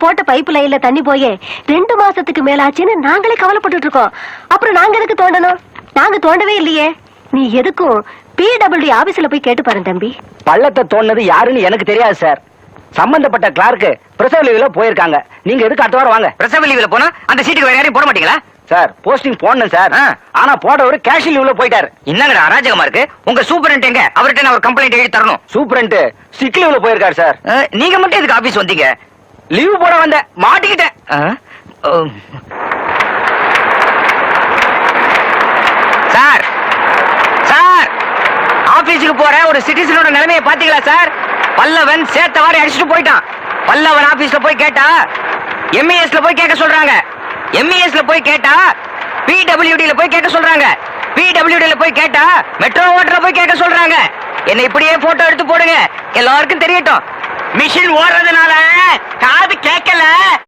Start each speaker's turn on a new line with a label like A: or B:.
A: போட்ட பைப் லைன்ல தண்ணி போயே 2 மாசத்துக்கு மேலாச்சுன்னு நாங்களே கவலைப்பட்டு இருக்கோம். அப்புறம் நாங்க எதுக்கு தோண்டணும்? நாங்க தோண்டவே இல்லையே. நீ எதுக்கும் PWD ஆபீஸ்ல போய் கேட்டு பாரு தம்பி.
B: பள்ளத்தை தோண்டது யாருன்னு எனக்கு தெரியாது சார். சம்பந்தப்பட்ட கிளார்க்கு பிரசவ லீவ்ல போயிருக்காங்க. நீங்க எதுக்கு அடுத்த வாரம் வாங்க.
C: பிரசவ லீவ்ல போனா அந்த சீட்டுக்கு வேற யாரையும் போட மாட்டீங்களா?
B: சார் போஸ்டிங் போடணும் சார். ஆனா போடவர் கேஷ் லீவ்ல போயிட்டாரு.
C: என்னங்கடா அராஜகமா இருக்கு? உங்க சூப்பரண்ட் எங்க? அவர்கிட்ட நான் ஒரு கம்ப்ளைண்ட் எழுதி தரணும்.
B: சூப்பரண்ட் சிக் லீவ்ல போயிருக்காரு சார்.
C: நீங்க மட்டும் எதுக்கு ஆபீஸ் வந்தீங்க?
B: லீவ் போட வந்த மாட்டிக்கிட்டேன்.
C: சார் சார் ஆபீஸுக்கு போற ஒரு சிட்டிசனோட நிலைமையை பாத்தீங்களா சார்? பல்லவன் சேத்தவாரி அடிச்சுட்டு போயிட்டான். பல்லவன் ஆபீஸ்ல போய் கேட்டா MESல போய் கேட்க சொல்றாங்க. MESல போய் கேட்டா PWDல போய் கேட்க சொல்றாங்க. PWDல போய் கேட்டா மெட்ரோ வாட்டர்ல போய் கேட்க சொல்றாங்க. என்ன இப்படியே போட்டோ எடுத்து போடுங்க, எல்லாருக்கும் தெரியட்டும். மிஷின் ஓடுறதுனால காது கேட்கல.